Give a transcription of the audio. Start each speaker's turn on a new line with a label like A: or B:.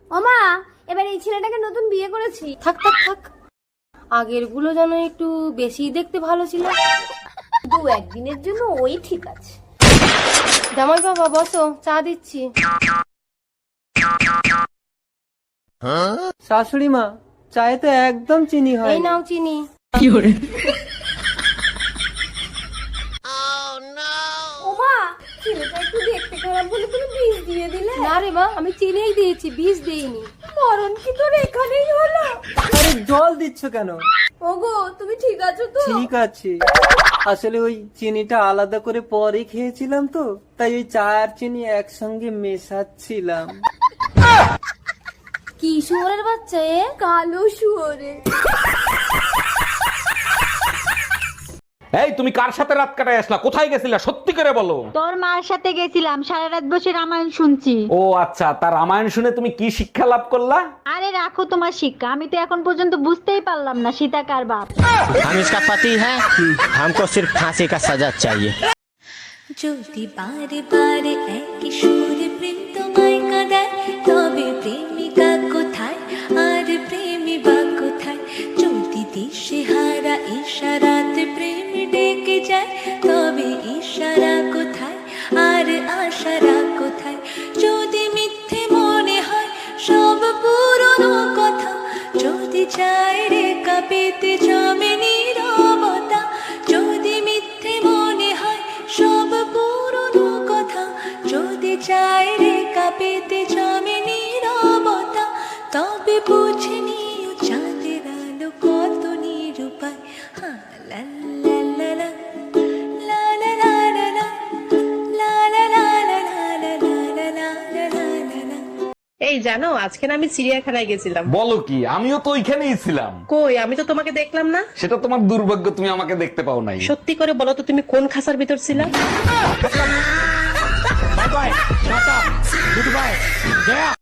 A: ওমা, এবার এই ছেলেটাকে নতুন বিয়ে করেছি।
B: থাক থাক থাক, আগের গুলো যেন একটু বেশি দেখতে ভালো ছিল।
A: দু একদিনের জন্য ওই ঠিক আছে।
B: জামাই বাবা বসো, চা দিচ্ছি।
C: শাশুড়ি মা, চায়ে তো একদম চিনি হয়।
B: এই নাও চিনি।
A: ওমা, ছেলেটা একটু দেখতে খারাপ বলে তুমি বিষ দিয়ে দিলে।
B: না রে মা, আমি চিনিই দিয়েছি, বিষ দেইনি।
A: মরণ কি তোর এখানেই হলো?
C: আরে জল দিচ্ছ কেন?
A: ওগো, তুমি ঠিক আছো তো?
C: ঠিক আছে, আসলে ওই চিনিটা আলাদা করে পরে খেয়েছিলাম তো, তাই ওই চা আর চিনি একসঙ্গে মেশাচ্ছিলাম।
B: কি শুয়োরের বাচ্চা এ?
A: কালো শুয়োরে।
D: এই তুমি কার সাথে রাত কাটায় আসলা? কোথায় গেছিলা সত্যি করে বলো।
E: তোর মার সাথে গেছিলাম, সারা রাত বসে রামায়ণ শুনছি।
D: ও আচ্ছা, তার রামায়ণ শুনে তুমি কি শিক্ষা লাভ করলা?
E: আরে রাখো তোমার শিক্ষা, আমি তো এখন পর্যন্ত বুঝতেই পারলাম না সীতা কার বাপ।
F: हम इसका पति है, हमको सिर्फ फांसी का सजा चाहिए।
G: যদি বারে বারে একই সুরে প্রেম তোমায় কাঁদায়, তবে প্রেমিকা কোথায় আর প্রেমী বা কোথায়? যদি দিশে হারা ইশারাতে প্রেম ডেকে যায়, তবে ইশারা কোথায় আর আশারা কোথায়? যদি মিথ্যে মনে হয় সব পুরনো কথা, যদি চায় রে কাঁপিতে জমে নীরবতা, যদি মিথ্যে মনে হয় সব পুরনো কথা, যদি চায় রে কাঁপিতে জমে নীরবতা, তবে বুঝে নিও চাঁদের আলো কত নিরূপায়। হ্যাঁ, লা লা লা লা, লা লা লা লা লা, লা লা লা লা লা লা লা লা লা লা লা।
H: এই জানো, আজকে না আমি চিড়িয়াখানায় গেছিলাম।
D: বলো কি? আমিও তো ওইখানেই ছিলাম।
H: কই, আমি তো তোমাকে দেখলাম না।
D: সেটা তোমার দুর্ভাগ্য, তুমি আমাকে দেখতে পাও নাই।
H: সত্যি করে বলো তো, তুমি কোন খাঁচার ভিতর ছিলা?
D: Bye bye, tata, goodbye, Gaya.